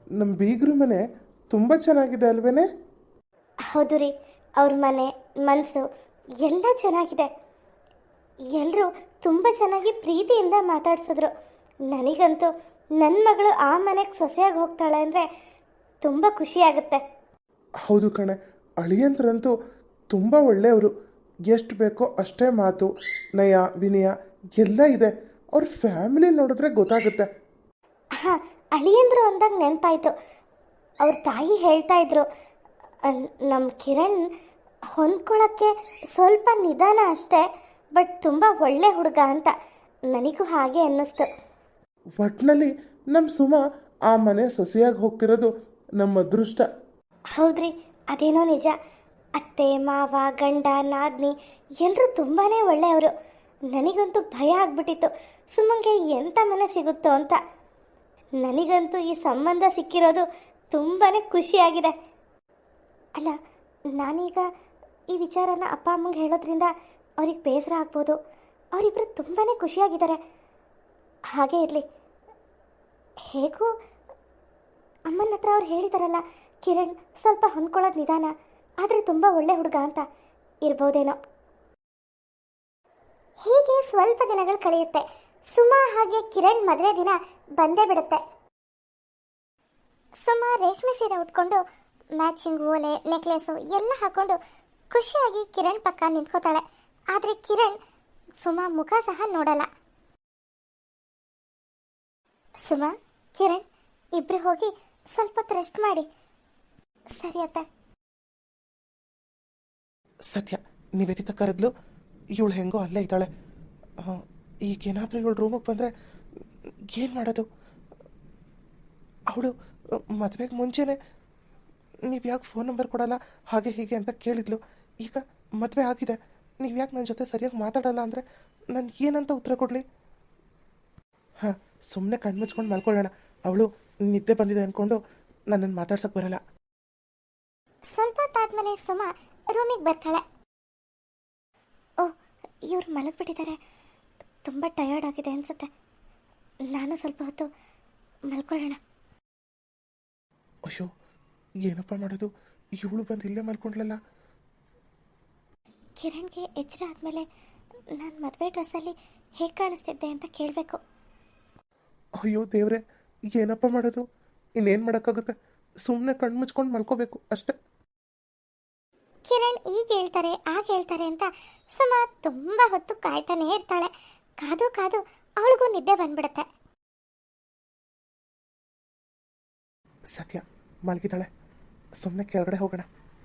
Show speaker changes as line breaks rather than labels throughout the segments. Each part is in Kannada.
ನಮ್ಮ ಬೀಗ್ರ ಮನೆ ತುಂಬ ಚೆನ್ನಾಗಿದೆ ಅಲ್ವೇನೆ?
ಹೌದು ರೀ, ಅವ್ರ ಮನೆ ಮನಸ್ಸು ಎಲ್ಲ ಚೆನ್ನಾಗಿದೆ. ಎಲ್ಲರೂ ತುಂಬ ಚೆನ್ನಾಗಿ ಪ್ರೀತಿಯಿಂದ ಮಾತಾಡ್ಸಿದ್ರು. ನನಗಂತೂ ನನ್ನ ಮಗಳು ಆ ಮನೆಗೆ ಸೊಸೆಯಾಗಿ ಹೋಗ್ತಾಳೆ ಅಂದರೆ ತುಂಬ ಖುಷಿಯಾಗುತ್ತೆ.
ಹೌದು ಕಣೆ, ಅಳಿಯಂದ್ರಂತೂ ತುಂಬ ಒಳ್ಳೆಯವರು. ಎಷ್ಟು ಬೇಕೋ ಅಷ್ಟೇ ಮಾತು, ನಯ ವಿನಯ ಎಲ್ಲ ಇದೆ. ಅವ್ರ ಫ್ಯಾಮಿಲಿ ನೋಡಿದ್ರೆ ಗೊತ್ತಾಗುತ್ತೆ.
ಹಾಂ, ಅಳಿಯಂದ್ರು ಅಂದಾಗ ನೆನಪಾಯಿತು. ಅವ್ರ ತಾಯಿ ಹೇಳ್ತಾ ಇದ್ರು, ನಮ್ಮ ಕಿರಣ್ ಹೊಂದ್ಕೊಳ್ಳೋಕ್ಕೆ ಸ್ವಲ್ಪ ನಿಧಾನ ಅಷ್ಟೇ, ಬಟ್ ತುಂಬ ಒಳ್ಳೆ ಹುಡುಗ ಅಂತ. ನನಗೂ ಹಾಗೆ ಅನ್ನಿಸ್ತು.
ಒಟ್ಟಿನಲ್ಲಿ ನಮ್ಮ ಸುಮ ಆ ಮನೆ ಸೊಸೆಯಾಗಿ ಹೋಗ್ತಿರೋದು ನಮ್ಮ ಅದೃಷ್ಟ.
ಹೌದ್ರಿ, ಅದೇನೋ ನಿಜ. ಅತ್ತೆ ಮಾವ ಗಂಡ ನಾದ್ನಿ ಎಲ್ಲರೂ ತುಂಬಾ ಒಳ್ಳೆಯವರು. ನನಗಂತೂ ಭಯ ಆಗ್ಬಿಟ್ಟಿತ್ತು, ಸುಮ್ಮಂಗೆ ಎಂಥ ಮನೆ ಸಿಗುತ್ತೋ ಅಂತ. ನನಗಂತೂ ಈ ಸಂಬಂಧ ಸಿಕ್ಕಿರೋದು ತುಂಬಾ ಖುಷಿಯಾಗಿದೆ. ಅಲ್ಲ, ನಾನೀಗ ಈ ವಿಚಾರನ ಅಪ್ಪ ಅಮ್ಮಂಗೆ ಹೇಳೋದ್ರಿಂದ ಅವ್ರಿಗೆ ಬೇಸರ ಆಗ್ಬೋದು. ಅವರಿಬ್ಬರು ತುಂಬಾ ಖುಷಿಯಾಗಿದ್ದಾರೆ. ಹಾಗೇ ಇರಲಿ. ಹೇಗೂ ಅಮ್ಮನ ಹತ್ರ ಅವ್ರು ಹೇಳಿದಾರಲ್ಲ, ಕಿರಣ್ ಸ್ವಲ್ಪ ಹೊಂದ್ಕೊಳ್ಳೋದು ನಿಧಾನ, ಆದರೆ ತುಂಬ ಒಳ್ಳೆ ಹುಡುಗ ಅಂತ. ಇರ್ಬೋದೇನೋ. ಹೀಗೆ ಸ್ವಲ್ಪ ದಿನಗಳು ಕಳೆಯುತ್ತೆ. ಸುಮಾ ಹಾಗೆ ಕಿರಣ್ ಮದುವೆ ದಿನ ಬಂದೇ ಬಿಡುತ್ತೆ. ಸುಮಾ ರೇಷ್ಮೆ ಸೀರೆ ಉಟ್ಕೊಂಡು ಮ್ಯಾಚಿಂಗ್ ಓಲೆ ನೆಕ್ಲೆಸು ಎಲ್ಲ ಹಾಕೊಂಡು ಖುಷಿಯಾಗಿ ಕಿರಣ್ ಪಕ್ಕ ನಿಂತ್ಕೋತಾಳೆ. ಆದರೆ ಕಿರಣ್ ಸುಮಾ ಮುಖ ಸಹ ನೋಡಲ್ಲ. ಸುಮಾ, ಕಿರಣ್ ಇಬ್ರು ಹೋಗಿ ಸ್ವಲ್ಪ ಹೊತ್ತು ರೆಸ್ಟ್ ಮಾಡಿ. ಸರಿ ಅತ್ತ.
ಸತ್ಯ, ನಿವೇದಿತ ಕರೆದ್ಲು. ಇವಳು ಹೆಂಗೋ ಅಲ್ಲೇ ಇದ್ದಾಳೆ. ಈಗೇನಾದರೂ ಇವಳು ರೂಮಿಗೆ ಬಂದರೆ ಏನು ಮಾಡೋದು? ಅವಳು ಮದುವೆಗೆ ಮುಂಚೆನೇ ನೀವು ಯಾಕೆ ಫೋನ್ ನಂಬರ್ ಕೊಡಲ್ಲ ಹಾಗೆ ಹೀಗೆ ಅಂತ ಕೇಳಿದ್ಲು. ಈಗ ಮದುವೆ ಆಗಿದೆ, ನೀವು ಯಾಕೆ ನನ್ನ ಜೊತೆ ಸರಿಯಾಗಿ ಮಾತಾಡಲ್ಲ ಅಂದರೆ ನಾನು ಏನಂತ ಉತ್ತರ ಕೊಡಲಿ? ಹಾಂ, ಸುಮ್ಮನೆ ಕಣ್ಮುಚ್ಕೊಂಡು ಮಲ್ಕೊಳ್ಳೋಣ. ಅವಳು ನಿದ್ದೆ ಬಂದಿದೆ ಅಂದ್ಕೊಂಡು ನನ್ನನ್ನು ಮಾತಾಡ್ಸೋಕ್ಕೆ ಬರಲ್ಲ.
ಸ್ವಲ್ಪ ಹೊತ್ತಾದ್ಮೇಲೆ ಸುಮಾ ರೂಮಿಗೆ ಬರ್ತಾಳೆ. ಓಹ್, ಇವ್ರು ಮಲಗಿಬಿಟ್ಟಿದ್ದಾರೆ. ತುಂಬ ಟಯರ್ಡ್ ಆಗಿದೆ ಅನ್ಸುತ್ತೆ. ನಾನು ಸ್ವಲ್ಪ ಹೊತ್ತು ಮಲ್ಕೊಳ್ಳೋಣ.
ಅಯ್ಯೋ, ಏನಪ್ಪ ಮಾಡೋದು? ಇವಳು ಬಂದು ಇಲ್ಲೇ ಮಲ್ಕೊಂಡ್ಲಲ್ಲ.
ಕಿರಣ್ಗೆ ಎಚ್ಚರ ಆದಮೇಲೆ ನಾನು ಮದುವೆ ಡ್ರೆಸ್ಸಲ್ಲಿ ಹೇಗೆ ಕಾಣಿಸ್ತಿದ್ದೆ ಅಂತ ಕೇಳಬೇಕು.
ಅಯ್ಯೋ ದೇವ್ರೆ, ಏನಪ್ಪ ಮಾಡೋದು? ಇನ್ನೇನು ಮಾಡೋಕ್ಕಾಗುತ್ತೆ? ಸುಮ್ಮನೆ ಕಣ್ಣು ಮುಚ್ಕೊಂಡು ಮಲ್ಕೋಬೇಕು ಅಷ್ಟೆ.
ಕಿರಣ್ ಈಗ ಹೇಳ್ತಾರೆ ಆಗ ಹೇಳ್ತಾರೆ ಅಂತ ಸುಮಾ ತುಂಬ ಹೊತ್ತು ಕಾಯ್ತಾನೇ ಇರ್ತಾಳೆ. ಕಾದು ಕಾದು ಅವಳಿಗೂ ನಿದ್ದೆ ಬಂದ್ಬಿಡುತ್ತೆ.
ಸತ್ಯ ಮಲಗಿದ್ದಾಳೆ, ಸುಮ್ಮನೆ ಕೆಳಗಡೆ ಹೋಗೋಣ.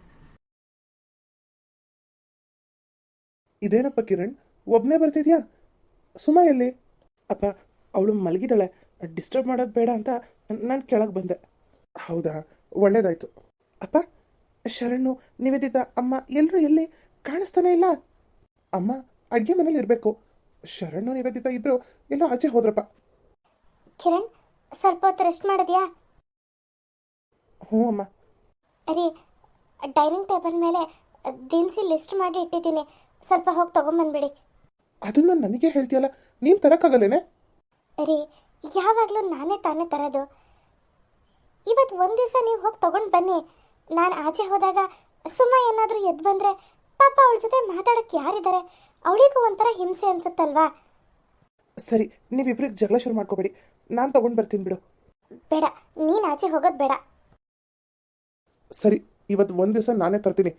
ಇದೇನಪ್ಪ ಕಿರಣ್, ಒಬ್ಬನೇ ಬರ್ತಿದ್ಯಾ? ಸುಮಾ ಎಲ್ಲಿ? ಅಪ್ಪ, ಅವಳು ಮಲಗಿದ್ದಾಳೆ, ಡಿಸ್ಟರ್ಬ್ ಮಾಡೋದು ಬೇಡ ಅಂತ ನಾನು ಕೆಳಗೆ ಬಂದೆ. ಹೌದಾ, ಒಳ್ಳೇದಾಯ್ತು. ಅಪ್ಪ, ಶರಣು ನಿವೇದಿತ ಅಮ್ಮ ಎಲ್ಲರೂ ಎಲ್ಲಿ? ಕಾಣಿಸ್ತಾನೆ ಇಲ್ಲ. ಅಮ್ಮ ಅಡುಗೆ ಮನೇಲಿ ಇರಬೇಕು. ಶರಣು ನಿವೇದಿತ ಇಬ್ಬರು ಎಲ್ಲೋ ಆಚೆ ಹೋದ್ರಪ್ಪ.
ಕಿರಣ್, ಸ್ವಲ್ಪ ಹೊತ್ತು ರೆಸ್ಟ್ ಮಾಡಿದ್ಯಾ?
ಹ್ಞೂ ಅಮ್ಮ.
ರೀ, ಡೈನಿಂಗ್ ಟೇಬಲ್ ಮೇಲೆ ದಿನಸಿ ಲಿಸ್ಟ್ ಮಾಡಿ ಇಟ್ಟಿದ್ದೀನಿ, ಸ್ವಲ್ಪ ಹೋಗಿ ತೊಗೊಂಬಂದ್ಬಿಡಿ.
ಅದನ್ನು ನನಗೆ ಹೇಳ್ತೀಯಲ್ಲ, ನೀನು ತರೋಕ್ಕಾಗಲ್ಲೇನೆ?
ರೀ, ಯಾವಾಗಲೂ ನಾನೇ ತಾನೇ ತರೋದು. ಇವತ್ತು ಒಂದು ದಿವಸ ನೀವು ಹೋಗಿ ತೊಗೊಂಡು ಬನ್ನಿ. ನಾನು ಆಚೆ ಹೋದಾಗ ಸುಮ್ಮ ಏನಾದರೂ ಎದ್ದು ಬಂದರೆ ಪಾಪ ಅವಳ ಜೊತೆ ಮಾತಾಡೋಕ್ಕೆ ಯಾರಿದ್ದಾರೆ? ಅವಳಿಗೂ ಒಂಥರ ಹಿಂಸೆ ಅನ್ಸುತ್ತಲ್ವಾ?
ಸರಿ, ನೀವಿಬ್ರಿಗೆ ಜಗಳ ಶುರು ಮಾಡ್ಕೋಬೇಡಿ, ನಾನು ತೊಗೊಂಡು ಬರ್ತೀನಿ ಬಿಡು.
ಬೇಡ, ನೀನು ಆಚೆ ಹೋಗೋದು ಬೇಡ.
ಸರಿ, ಇವತ್ತು ಒಂದು ದಿವಸ ನಾನೇ ತರ್ತೀನಿ.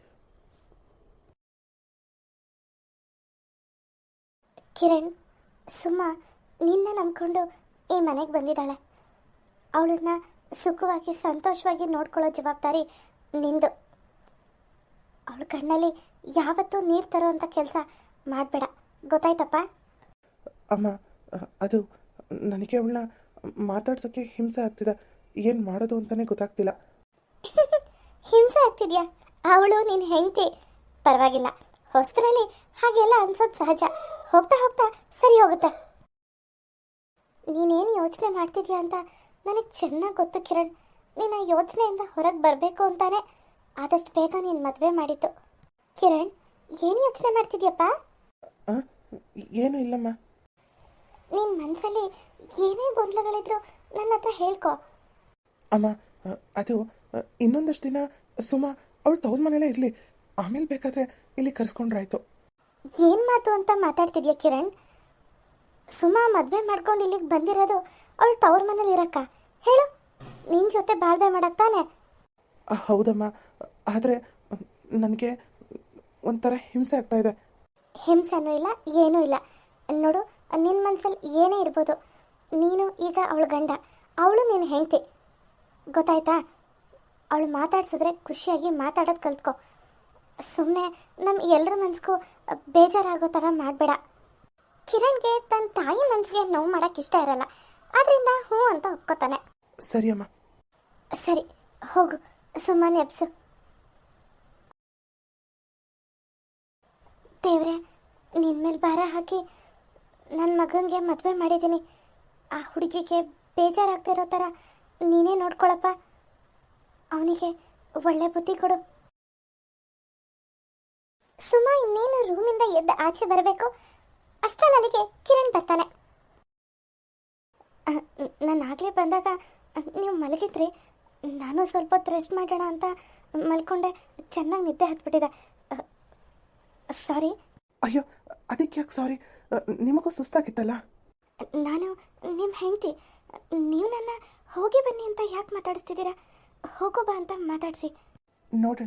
ಕಿರಣ್, ಸುಮ್ಮ ನಿನ್ನ ನಂಬ್ಕೊಂಡು ಈ ಮನೆಗೆ ಬಂದಿದ್ದಾಳೆ. ಅವಳನ್ನ ಸುಖವಾಗಿ ಸಂತೋಷವಾಗಿ ನೋಡ್ಕೊಳ್ಳೋ ಜವಾಬ್ದಾರಿ ನಿಂದು. ಅವಳ ಕಣ್ಣಲ್ಲಿ ಯಾವತ್ತೂ ನೀರು ತರೋ ಅಂಥ ಕೆಲಸ ಮಾಡಬೇಡ, ಗೊತ್ತಾಯ್ತಪ್ಪ?
ಅಮ್ಮ, ಅದು ನನಗೆ ಅವಳನ್ನ ಮಾತಾಡ್ಸೋಕ್ಕೆ ಹಿಂಸೆ ಆಗ್ತಿದೆ. ಏನು ಮಾಡೋದು ಅಂತಲೇ ಗೊತ್ತಾಗ್ತಿಲ್ಲ.
ಹಿಂಸೆ ಆಗ್ತಿದ್ಯಾ? ಅವಳು ನಿನ್ನ ಹೆಂಡತಿ, ಪರವಾಗಿಲ್ಲ. ಹೊಸದ್ರಲ್ಲಿ ಹಾಗೆಲ್ಲ ಅನ್ಸೋದು ಸಹಜ. ಹೋಗ್ತಾ ಹೋಗ್ತಾ ಸರಿ ಹೋಗುತ್ತೆ. ನೀನೇನು ಯೋಚನೆ ಮಾಡ್ತಿದ್ಯಾ ಅಂತ ನನಗೆ ಚೆನ್ನಾಗಿ ಗೊತ್ತು ಕಿರಣ್. ನೀನು ಆ ಯೋಚನೆಯಿಂದ ಹೊರಗೆ ಬರಬೇಕು ಅಂತಾನೆ ಆದಷ್ಟು ಬೇಗ ನೀನು ಮದುವೆ ಮಾಡಿದ್ದು. ಕಿರಣ್, ಏನು ಯೋಚನೆ ಮಾಡ್ತಿದ್ಯಪ್ಪ?
ಏನೂ ಇಲ್ಲಮ್ಮ.
ನಿನ್ನ ಮನಸ್ಸಲ್ಲಿ ಏನೇ ಗೊಂದಲಗಳಿದ್ರು ನನ್ನ ಹತ್ರ ಹೇಳ್ಕೊ.
ಅಮ್ಮ, ಅದು ಇನ್ನೊಂದಷ್ಟು ದಿನ ಸುಮಾ ಅವಳು ತವ್ರ ಮನೇಲೇ ಇರಲಿ, ಆಮೇಲೆ ಬೇಕಾದರೆ ಇಲ್ಲಿ ಕರೆಸ್ಕೊಂಡ್ರಾಯ್ತು.
ಏನು ಮಾತು ಅಂತ ಮಾತಾಡ್ತಿದ್ಯಾ ಕಿರಣ್? ಸುಮಾ ಮದುವೆ ಮಾಡ್ಕೊಂಡು ಇಲ್ಲಿಗೆ ಬಂದಿರೋದು ಅವಳು ತವ್ರ ಮನೇಲಿ ಇರಕ್ಕ? ಹೇಳು, ನಿನ್ನ ಜೊತೆ ಬಾಳ್ವೆ ಮಾಡಕ್ ತಾನೆ?
ಹೌದಮ್ಮ, ಆದರೆ ನನಗೆ ಒಂಥರ ಹಿಂಸೆ ಆಗ್ತಾ ಇದೆ.
ಹಿಂಸೆನೂ ಇಲ್ಲ, ಏನೂ ಇಲ್ಲ. ನೋಡು, ನಿನ್ನ ಮನಸ್ಸಲ್ಲಿ ಏನೇ ಇರ್ಬೋದು, ನೀನು ಈಗ ಅವಳ ಗಂಡ, ಅವಳು ನಿನ್ನ ಹೆಂಡತಿ, ಗೊತ್ತಾಯ್ತಾ? ಅವಳು ಮಾತಾಡ್ಸಿದ್ರೆ ಖುಷಿಯಾಗಿ ಮಾತಾಡೋದು ಕಲ್ತ್ಕೊ. ಸುಮ್ಮನೆ ನಮ್ಮ ಎಲ್ಲರ ಮನಸ್ಗೂ ಬೇಜಾರಾಗೋ ಥರ ಮಾಡಬೇಡ. ಕಿರಣ್ಗೆ ತನ್ನ ತಾಯಿ ಮನಸ್ಸಿಗೆ ನೋವು ಮಾಡೋಕ್ಕೆ ಇಷ್ಟ ಇರಲ್ಲ, ಅದರಿಂದ ಹ್ಞೂ ಅಂತ ಒಪ್ಕೋತಾನೆ.
ಸರಿ ಅಮ್ಮ.
ಸರಿ, ಹೋಗು, ಸುಮ್ಮನೆ ಎಬ್ಸು. ದೇವ್ರೆ, ನಿನ್ನ ಮೇಲೆ ಭಾರ ಹಾಕಿ ನನ್ನ ಮಗನಿಗೆ ಮದುವೆ ಮಾಡಿದ್ದೀನಿ. ಆ ಹುಡುಗಿಗೆ ಬೇಜಾರಾಗ್ತಿರೋ ಥರ ನೀನೇ ನೋಡ್ಕೊಳಪ್ಪ. ಅವನಿಗೆ ಒಳ್ಳೆ ಬುದ್ಧಿ ಕೊಡು. ಸುಮಾ ಇನ್ನೇನು ರೂಮಿಂದ ಎದ್ದು ಆಚೆ ಬರಬೇಕು, ಅಷ್ಟರಲ್ಲಿಗೆ ಕಿರಣ್ ಬರ್ತಾನೆ. ನಾನು ಆಗಲೇ ಬಂದಾಗ ನೀವು ಮಲಗಿದ್ರಿ, ನಾನು ಸ್ವಲ್ಪ ಹೊತ್ತು ರೆಸ್ಟ್ ಮಾಡೋಣ ಅಂತ ಮಲ್ಕೊಂಡೆ, ಚೆನ್ನಾಗಿ ನಿದ್ದೆ ಹತ್ಬಿಟ್ಟಿದೆ. ಸಾರಿ.
ಅಯ್ಯೋ, ಅದಕ್ಕೆ ಯಾಕೆ ಸಾರಿ? ನಿಮಗೂ ಸುಸ್ತಾಗಿತ್ತಲ್ಲ?
ನಾನು ನಿಮ್ಮ ಹೆಂಡತಿ, ನೀವು ನನ್ನ ಹೋಗಿ ಬನ್ನಿ ಅಂತ ಯಾಕೆ ಮಾತಾಡಿಸ್ತಿದ್ದೀರಾ? ಹೋಗೋ ಬಾ ಅಂತ ಮಾತಾಡಿಸಿ.
ನೋಡೋಣ.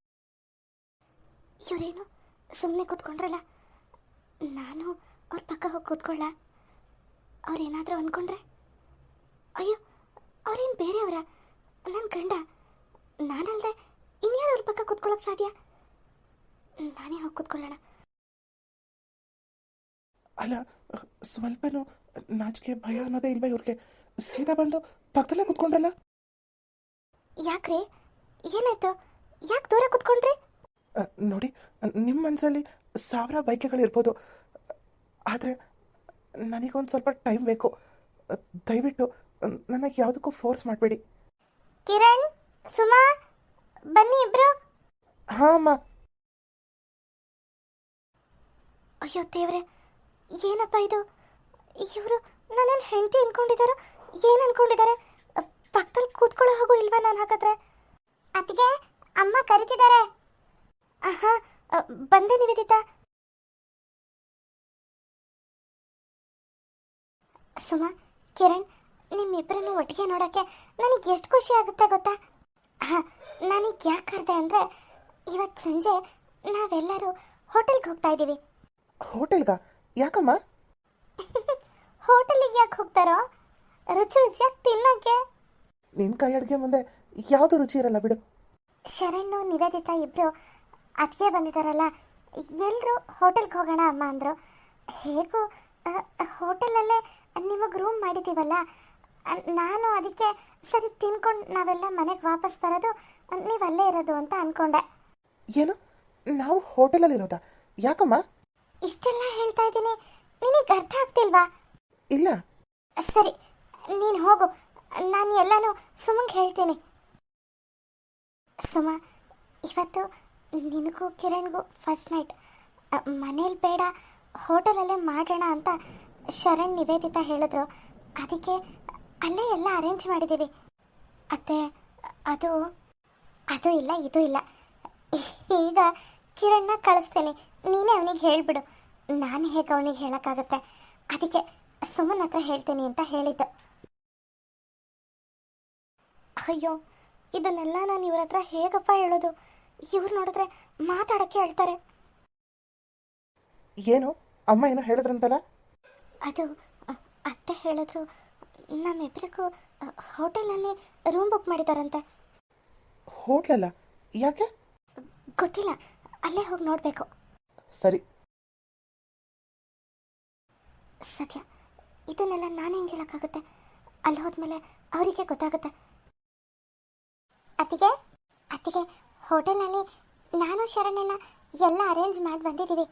ಇವರೇನು ಸುಮ್ಮನೆ ಕೂತ್ಕೊಂಡ್ರಲ್ಲ, ನಾನು ಅವ್ರ ಪಕ್ಕ ಹೋಗಿ ಕೂತ್ಕೊಳ್ಳ? ಅವ್ರೇನಾದರೂ ಅಂದ್ಕೊಂಡ್ರೆ? ಅಯ್ಯೋ, ಅವ್ರೇನು ಬೇರೆಯವರ? ನನ್ನ ಗಂಡ, ನಾನಲ್ದೆ ಇನ್ಯಾರು ಅವ್ರ ಪಕ್ಕ ಕೂತ್ಕೊಳ್ಳೋಕೆ ಸಾಧ್ಯ? ನಾನೇ ಹೋಗಿ ಕೂತ್ಕೊಳ್ಳೋಣ.
ಅಲ್ಲ, ಸ್ವಲ್ಪನೂ ನಾಚಿಕೆ ಭಯ ಅನ್ನೋದೇ ಇಲ್ವಾ ಇವ್ರಿಗೆ? ಸೀದಾ ಬಂದು ಪಕ್ಕದಲ್ಲೇ ಕೂತ್ಕೊಂಡ್ರಲ್ಲ?
ಯಾಕ್ರಿ, ಏನಾಯ್ತು? ಯಾಕೆ ದೂರ ಕೂತ್ಕೊಂಡ್ರಿ?
ನೋಡಿ, ನಿಮ್ಮ ಮನಸ್ಸಲ್ಲಿ 1000 ಬಯಕೆಗಳಿರ್ಬೋದು, ಆದರೆ ನನಗೊಂದು ಸ್ವಲ್ಪ ಟೈಮ್ ಬೇಕು. ದಯವಿಟ್ಟು ನನಗೆ ಯಾವುದಕ್ಕೂ ಫೋರ್ಸ್ ಮಾಡಬೇಡಿ.
ಕಿರಣ್, ಸುಮಾ, ಬನ್ನಿ ಇಬ್ರು.
ಹಾಂ ಅಮ್ಮ.
ಅಯ್ಯೋ ದೇವ್ರೆ, ಏನಪ್ಪ ಇದು? ಇವರು ನನ್ನನ್ನು ಹೆಂಡತಿ ಅನ್ಕೊಂಡಿದ್ದಾರೋ ಏನು ಅನ್ಕೊಂಡಿದ್ದಾರೆ? ಪಕ್ಕದಲ್ಲಿ ಕೂತ್ಕೊಳ್ಳೋ ಹೋಗು ಇಲ್ವಾ ನಾನು ಹಾಕಿದ್ರೆ? ಅತ್ತಿಗೆ, ಅಮ್ಮ ಕರಿತಿದ್ದಾರೆ. ಆಹಾ, ಬಂದೆ ನಿವೇದಿತಾ. ಸುಮಾ, ಕಿರಣ್, ನಿಮ್ಮಿಬ್ಬರನ್ನು ಒಟ್ಟಿಗೆ ನೋಡೋಕ್ಕೆ ನನಗೆ ಎಷ್ಟು ಖುಷಿ ಆಗುತ್ತೆ ಗೊತ್ತಾ? ಹಾಂ, ನನಗೆ ಯಾಕೆ ಕರೆದೆ ಅಂದರೆ, ಇವತ್ತು ಸಂಜೆ ನಾವೆಲ್ಲರೂ ಹೋಟೆಲ್ಗೆ ಹೋಗ್ತಾ ಇದ್ದೀವಿ.
ಹೋಟೆಲ್ಗಾ? ಯಾಕಮ್ಮ?
ಹೋಟೆಲಿಗೆ ಯಾಕೆ ಹೋಗ್ತಾರೋ? ರುಚಿ ರುಚಿಯಾಗಿ ತಿನ್ನೋಕ್ಕೆ.
ನಿನ್ನ ಕೈ ಅಡುಗೆ ಮುಂದೆ ಯಾವುದು ರುಚಿ ಇರಲ್ಲ ಬಿಡು.
ಶರಣು, ನಿವೇದಿತಾ ಇಬ್ಬರು ಅದಕ್ಕೆ ಬಂದಿದ್ದಾರಲ್ಲ, ಎಲ್ಲರೂ ಹೋಟೆಲ್ಗೆ ಹೋಗೋಣ ಅಮ್ಮ ಅಂದರು. ಹೇಗೂ ಹೋಟೆಲಲ್ಲೇ ನಿಮಗೆ ರೂಮ್ ಮಾಡಿದ್ದೀವಲ್ಲ, ನಾನು ಅದಕ್ಕೆ ಸರಿ ತಿನ್ಕೊಂಡು ನಾವೆಲ್ಲ ಮನೆಗೆ ವಾಪಸ್ ಬರೋದು, ನೀವು ಅಲ್ಲೇ ಇರೋದು ಅಂತ ಅಂದ್ಕೊಂಡೆ.
ಏನು, ನಾವು ಹೋಟೆಲಲ್ಲಿರೋದಾ? ಯಾಕಮ್ಮ?
ಇಷ್ಟೆಲ್ಲ ಹೇಳ್ತಾ ಇದ್ದೀನಿ, ನಿನಗೆ ಅರ್ಥ ಆಗ್ತಿಲ್ವಾ?
ಇಲ್ಲ.
ಸರಿ, ನೀನು ಹೋಗು, ನಾನು ಎಲ್ಲನೂ ಸುಮಂಗೆ ಹೇಳ್ತೀನಿ. ಸುಮ, ಇವತ್ತು ನಿನಗೂ ಕಿರಣ್ಗೂ ಫಸ್ಟ್ ನೈಟ್. ಮನೇಲಿ ಬೇಡ, ಹೋಟೆಲಲ್ಲೇ ಮಾಡೋಣ ಅಂತ ಶರಣ್, ನಿವೇದಿತಾ ಹೇಳಿದ್ರು. ಅದಕ್ಕೆ ಅಲ್ಲೇ ಎಲ್ಲ ಅರೇಂಜ್ ಮಾಡಿದ್ದೀವಿ. ಅತ್ತೆ, ಅದು ಇಲ್ಲ, ಇದು ಇಲ್ಲ. ಈಗ ಕಿರಣ್ನ ಕಳಿಸ್ತೇನೆ, ನೀನೇ ಅವನಿಗೆ ಹೇಳಿಬಿಡು. ನಾನು ಹೇಗೆ ಅವನಿಗೆ ಹೇಳೋಕ್ಕಾಗತ್ತೆ? ಅದಕ್ಕೆ ಸುಮನ್ ಹತ್ರ ಹೇಳ್ತೀನಿ ಅಂತ ಹೇಳಿದ್ದು. ಅಯ್ಯೋ, ಇದನ್ನೆಲ್ಲ ನಾನು ಇವ್ರ ಹತ್ರ ಹೇಗಪ್ಪ ಹೇಳೋದು? ಇವ್ರು ನೋಡಿದ್ರೆ ಮಾತಾಡೋಕ್ಕೆ ಹೇಳ್ತಾರೆ.
ಏನು ಅಮ್ಮ ಏನೋ ಹೇಳಿದ್ರಂತಲ್ಲ?
ಅದು ಅತ್ತೆ ಹೇಳಿದ್ರು, ನಮ್ಮಿಬ್ಬರಿಗೂ ಹೋಟೆಲಲ್ಲಿ ರೂಮ್ ಬುಕ್ ಮಾಡಿದಾರಂತೆ.
ಹೋಟ್ಲಲ್ಲ? ಯಾಕೆ?
ಗೊತ್ತಿಲ್ಲ, ಅಲ್ಲೇ ಹೋಗಿ ನೋಡಬೇಕು.
ಸರಿ.
ಸತ್ಯ, ಇದನ್ನೆಲ್ಲ ನಾನು ಹೆಂಗೆ ಹೇಳೋಕ್ಕಾಗುತ್ತೆ? ಅಲ್ಲಿ ಹೋದ್ಮೇಲೆ ಅವರಿಗೆ ಗೊತ್ತಾಗುತ್ತೆ. ಅತ್ತಿಗೆ, ಹೋಟೆಲ್ನಲ್ಲಿ ನಾನು ಶರಣಣ್ಣ ಎಲ್ಲ ಅರೇಂಜ್ ಮಾಡಿ ಬಂದಿದ್ದೀವಿ.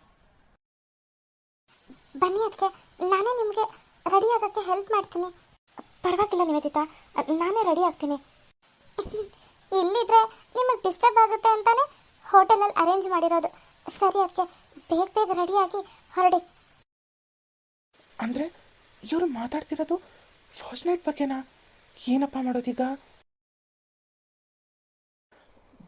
ಬನ್ನಿ ಅದಕ್ಕೆ, ನಾನೇ ನಿಮಗೆ ರೆಡಿ ಆಗೋಕ್ಕೆ ಹೆಲ್ಪ್ ಮಾಡ್ತೀನಿ. ಪರವಾಗಿಲ್ಲ ನಿವೇದಿತಾ, ನಾನೇ ರೆಡಿ ಆಗ್ತೀನಿ. ಇಲ್ಲಿದ್ರೆ ನಿಮಗೆ ಡಿಸ್ಟರ್ಬ್ ಆಗುತ್ತೆ ಅಂತಾನೆ ಹೋಟೆಲಲ್ಲಿ ಅರೇಂಜ್ ಮಾಡಿರೋದು. ಸರಿ, ಅದಕ್ಕೆ ಬೇಗ ಬೇಗ ರೆಡಿಯಾಗಿ ಹೊರಡಿ.
ಅಂದರೆ ಇವರು ಮಾತಾಡ್ತಿರೋದು ಫಸ್ಟ್ ನೈಟ್ ಬಗ್ಗೆನಾ? ಏನಪ್ಪ ಮಾಡೋದೀಗ?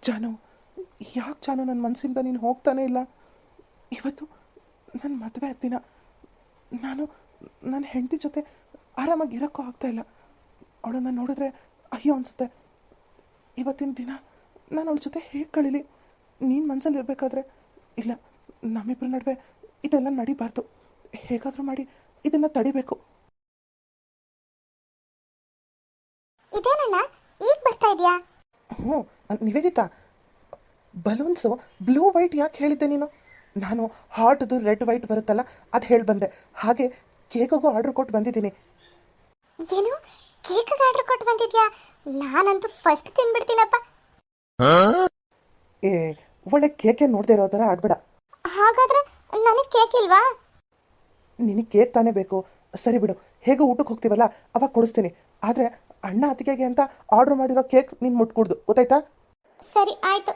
ಜಾನು, ಯಾಕೆ ಜಾನು ನನ್ನ ಮನಸ್ಸಿಂದ ನೀನು ಹೋಗ್ತಾನೇ ಇಲ್ಲ? ಇವತ್ತು ನನ್ನ ಮದುವೆ ದಿನ. ನಾನು ನನ್ನ ಹೆಂಡತಿ ಜೊತೆ ಆರಾಮಾಗಿ ಇರೋಕ್ಕೂ ಆಗ್ತಾಯಿಲ್ಲ. ಅವಳನ್ನು ನೋಡಿದ್ರೆ ಅಯ್ಯೋ ಅನಿಸುತ್ತೆ. ಇವತ್ತಿನ ದಿನ ನಾನು ಅವಳ ಜೊತೆ ಹೇಗೆ ಕಳೀಲಿ? ನೀನು ಮನಸ್ಸಲ್ಲಿ ಇರಬೇಕಾದ್ರೆ ಇಲ್ಲ, ನಮ್ಮಿಬ್ಬರ ನಡುವೆ ಇದೆಲ್ಲ ನಡಿಬಾರ್ದು. ಹೇಗಾದರೂ ಮಾಡಿ ಇದನ್ನು ತಡಿಬೇಕು.
ಇದೇನಣ್ಣ ಈಗ ಬರ್ತಾ ಇದೆಯಾ?
ಹ್ಞೂ ನಿವೇದಿತಾ, ಬಲೂನ್ಸು ಬ್ಲೂ ವೈಟ್ ಯಾಕೆ ಹೇಳಿದ್ದೆ ನೀನು? ನಾನು ಹಾಟ್ದು ರೆಡ್ ವೈಟ್ ಬರುತ್ತಲ್ಲ ಅದು ಹೇಳಿ ಬಂದೆ. ಹಾಗೆ ಕೇಕಿಗೂ ಆರ್ಡ್ರ್ ಕೊಟ್ಟು ಬಂದಿದ್ದೀನಿ.
ಏನು ಕೇಕಿಗೆ ಆರ್ಡರ್ ಕೊಟ್ಟು ಬಂದಿದ್ಯಾ? ನಾನಂತೂ ಫಸ್ಟ್ ತಿನ್ಬಿಡ್ತೀನಪ್ಪ.
ಏ ಒಳ್ಳೆ ಕೇಕೆ ನೋಡದೆ ಇರೋ ಥರ ಆಡ್ಬೇಡ.
ಹಾಗಾದ್ರೆ ನನಗೆ ಕೇಕ್ ಇಲ್ವಾ?
ನಿನಗೆ ಕೇಕ್ ತಾನೇ ಬೇಕು. ಸರಿ ಬಿಡು, ಹೇಗೋ ಊಟಕ್ಕೆ ಹೋಗ್ತೀವಲ್ಲ ಅವಾಗ ಕೊಡಿಸ್ತೀನಿ. ಆದರೆ ಅಣ್ಣ ಅತ್ತಿಗೆಗೆ ಅಂತ ಆರ್ಡ್ರ್ ಮಾಡಿರೋ ಕೇಕ್ ನೀನು ಮುಟ್ಕೊಡ್ದು, ಗೊತ್ತಾಯ್ತಾ?
ಸರಿ ಆಯ್ತು.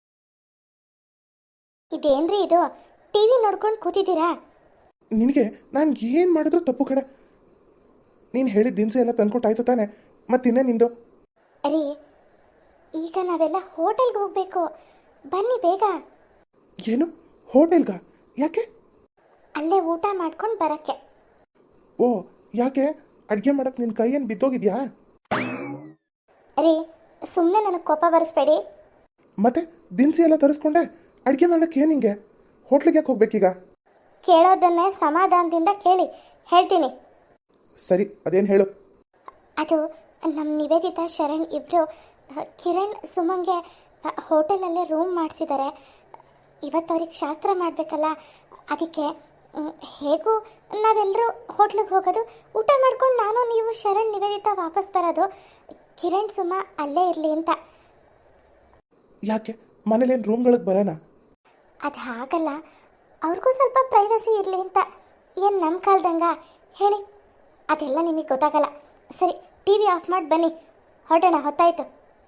ಇದೇನ್ರಿ ಇದು? ಟಿವಿ ನೋಡ್ಕೊಂಡು ಕೂತಿದ್ದೀರಾ?
ನಿನಗೆ ನಾನು ಏನು ಮಾಡಿದ್ರು ತಪ್ಪು ಕಡೆ. ನೀನು ಹೇಳಿದ ದಿನಸಿ ಎಲ್ಲ ತಂದ್ಕೊಟ್ಟಾಯ್ತು ತಾನೆ, ಮತ್ತಿನ್ನೇ ನಿಂದು?
ರೀ, ಈಗ ನಾವೆಲ್ಲ ಹೋಟೆಲ್ಗೆ ಹೋಗ್ಬೇಕು, ಬನ್ನಿ ಬೇಗ.
ಏನು ಹೋಟೆಲ್ಗ? ಯಾಕೆ?
ಅಲ್ಲೇ ಊಟ ಮಾಡ್ಕೊಂಡು ಬರಕ್ಕೆ.
ಓ ಯಾಕೆ? ಅಡುಗೆ ಮಾಡೋಕ್ಕೆ ನಿನ್ನ ಕೈ ಏನು ಬಿದ್ದೋಗಿದ್ಯಾ?
ರೀ, ಸುಮ್ಮನೆ ನನಗೆ ಕೋಪ ಬರಿಸ್ಬೇಡಿ.
ಮತ್ತೆ ದಿನಸಿ ಎಲ್ಲ ತರಿಸ್ಕೊಂಡೆ, ಅಡುಗೆ ಮಾಡೋಕ್ಕೆ ಏನು ಹಿಂಗೆ? ಹೋಟ್ಲಿಗೆ ಯಾಕೆ ಹೋಗ್ಬೇಕೀಗ?
ಕೇಳೋದನ್ನೇ ಸಮಾಧಾನದಿಂದ ಕೇಳಿ, ಹೇಳ್ತೀನಿ.
ಸರಿ, ಅದೇನು ಹೇಳು.
ಅದು ನಮ್ಮ ನಿವೇದಿತಾ ಶರಣ್ ಇಬ್ಬರು ಕಿರಣ್ ಸುಮಂಗೆ ಹೋಟೆಲಲ್ಲೇ ರೂಮ್ ಮಾಡಿಸಿದ್ದಾರೆ. ಇವತ್ತು ಅವ್ರಿಗೆ ಶಾಸ್ತ್ರ ಮಾಡಬೇಕಲ್ಲ, ಅದಕ್ಕೆ ಹೇಗೂ ನಾವೆಲ್ಲರೂ ಹೋಟ್ಲಿಗೆ ಹೋಗೋದು, ಊಟ ಮಾಡ್ಕೊಂಡು ನಾನು ನೀವು ಶರಣ್ ನಿವೇದಿತಾ ವಾಪಸ್ ಬರೋದು. ಕಿರಣ್ ಸುಮ ಅಲ್ಲೇ ಇರಲಿ ಅಂತ.
ಯಾಕೆ ಮನೇಲೇನು ರೂಮ್ಗಳಿಗೆ ಬರೋಣ?
ಅದು ಹಾಗಲ್ಲ, ಅವ್ರಿಗೂ ಸ್ವಲ್ಪ ಪ್ರೈವಸಿ ಇರಲಿ ಅಂತ. ಏನು ನಮ್ಮ ಕಾಲ್ದಂಗ ಹೇಳಿ? ಅದೆಲ್ಲ ನಿಮಗೆ ಗೊತ್ತಾಗಲ್ಲ. ಸರಿ, ಟಿ ವಿ ಆಫ್ ಮಾಡಿ ಬನ್ನಿ, ಹೊರಡೋಣ, ಹೊತ್ತಾಯ್ತು.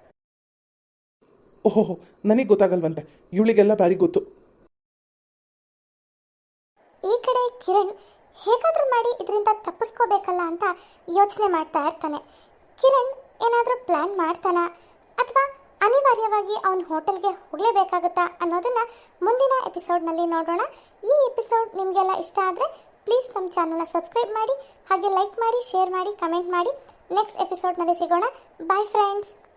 ಓಹೋ, ನನಗೆ ಗೊತ್ತಾಗಲ್ವಂತೆ, ಇವಳಿಗೆಲ್ಲ ಬಾರಿ ಗೊತ್ತು.
ಈ ಕಡೆ ಕಿರಣ್ ಹೇಗಾದರೂ ಮಾಡಿ ಇದರಿಂದ ತಪ್ಪಿಸ್ಕೋಬೇಕಲ್ಲ ಅಂತ ಯೋಚನೆ ಮಾಡ್ತಾ ಇರ್ತಾನೆ. ಕಿರಣ್ ಏನಾದರೂ ಪ್ಲ್ಯಾನ್ ಮಾಡ್ತಾನಾ ಅಥವಾ ಅನಿವಾರ್ಯವಾಗಿ ಅವನ ಹೋಟೆಲ್ಗೆ ಹೋಗಲೇಬೇಕಾಗುತ್ತಾ ಅನ್ನೋದನ್ನು ಮುಂದಿನ ಎಪಿಸೋಡ್ನಲ್ಲಿ ನೋಡೋಣ. ಈ ಎಪಿಸೋಡ್ ನಿಮಗೆಲ್ಲ ಇಷ್ಟ ಆದರೆ ಪ್ಲೀಸ್ ನಮ್ಮ ಚಾನಲ್ನ ಸಬ್ಸ್ಕ್ರೈಬ್ ಮಾಡಿ, ಹಾಗೆ ಲೈಕ್ ಮಾಡಿ, ಶೇರ್ ಮಾಡಿ, ಕಮೆಂಟ್ ಮಾಡಿ. ನೆಕ್ಸ್ಟ್ ಎಪಿಸೋಡ್ನಲ್ಲಿ ಸಿಗೋಣ. Bye friends.